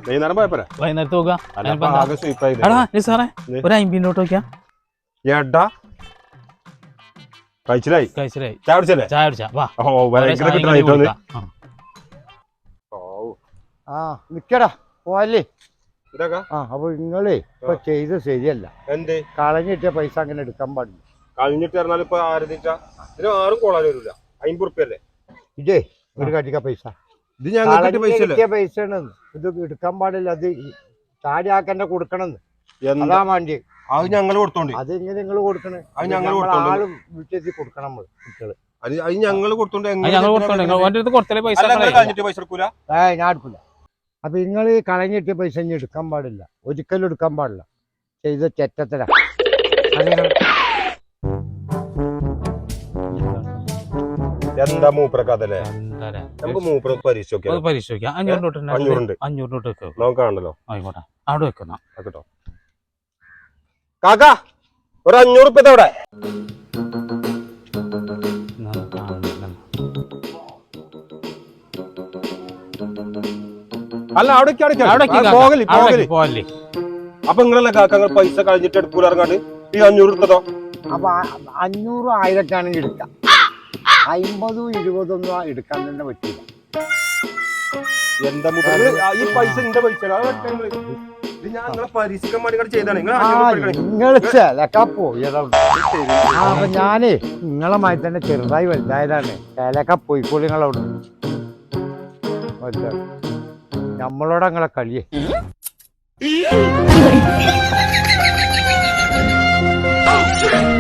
വൈകുന്നേരം പോയപ്പോരാ വൈകുന്നേരത്ത് നോക്കാം സാറേ ഒരു 50 നോട്ട് നോക്കിയാ ഏട്ടാ കഴിച്ചില്ലായി ചായ കുടിച്ചല്ലേ ചായ കുടിച്ചാ വാ നിക്കടാ പോവല്ലേ അപ്പൊ നിങ്ങളേ ഇപ്പൊ ചെയ്ത് ശരിയല്ല. എന്ത് കളഞ്ഞിട്ട പൈസ അങ്ങനെ എടുക്കാൻ പാടില്ല. കളഞ്ഞിട്ട് പറഞ്ഞാൽ ഇപ്പൊ ഇതിന് ആരും കോളാൻ വരില്ല. 50 റുപ്യല്ലേ ഇതേ ഒരു കട്ടിക്ക പൈസ ഇത് ഞങ്ങൾക്ക് പൈസ ഇത് എടുക്കാൻ പാടില്ല. അത് ചാടിയാക്കന്നെ കൊടുക്കണമെന്ന് അതാ വേണ്ടി അത് ഞങ്ങൾ കൊടുത്തോണ്ട് അത് ഇങ്ങനെ നിങ്ങൾ കൊടുക്കണേ ആള് വീട്ടിൽ കൊടുക്കണം നമ്മൾ കുട്ടികള് അത് ഞങ്ങൾ കൊടുത്തോണ്ട് പൈസ എടുക്കൂല. ഞാൻ എടുക്കൂല. അപ്പൊ നിങ്ങൾ കളഞ്ഞിട്ട് പൈസ ഇനി എടുക്കാൻ പാടില്ല, ഒരിക്കലും എടുക്കാൻ പാടില്ല. ചെയ്ത ചെറ്റത്തരാ എന്താ മൂപ്പറക്കല്ലേ നമുക്ക് മൂപ്പറ പരീക്ഷിക്കാം. 500 നോട്ട് നോക്കാണല്ലോ ആയിക്കോട്ടെ അവിടെ വെക്കുന്ന കേട്ടോ. കാക്ക ഒരു 500 റുപ്യ അവിടെ അല്ല അവിടെ പോകല്ലേ. അപ്പൊ നിങ്ങളല്ലേ കാക്ക പൈസ കളഞ്ഞിട്ട് എടുക്കൂല ഇറങ്ങാണ്ട് ഈ 500 എടുത്തതോ? അപ്പൊ 500 1000 എടുക്കാം, 50 20 എടുക്കാൻ തന്നെ പറ്റില്ല. എന്താ ഈ പൈസ എന്റെ പൈസ ഞങ്ങളെ പരീക്ഷിക്കാൻ വേണ്ടി ചെയ്താണ്. അപ്പൊ ഞാനേ നിങ്ങളെ മായി തന്നെ ചെറുതായി വലുതായതാണ്. ചിലക്ക പോയിക്കോളി നിങ്ങളവിടെ. നമ്മളോട് നിങ്ങളെ കളിയേ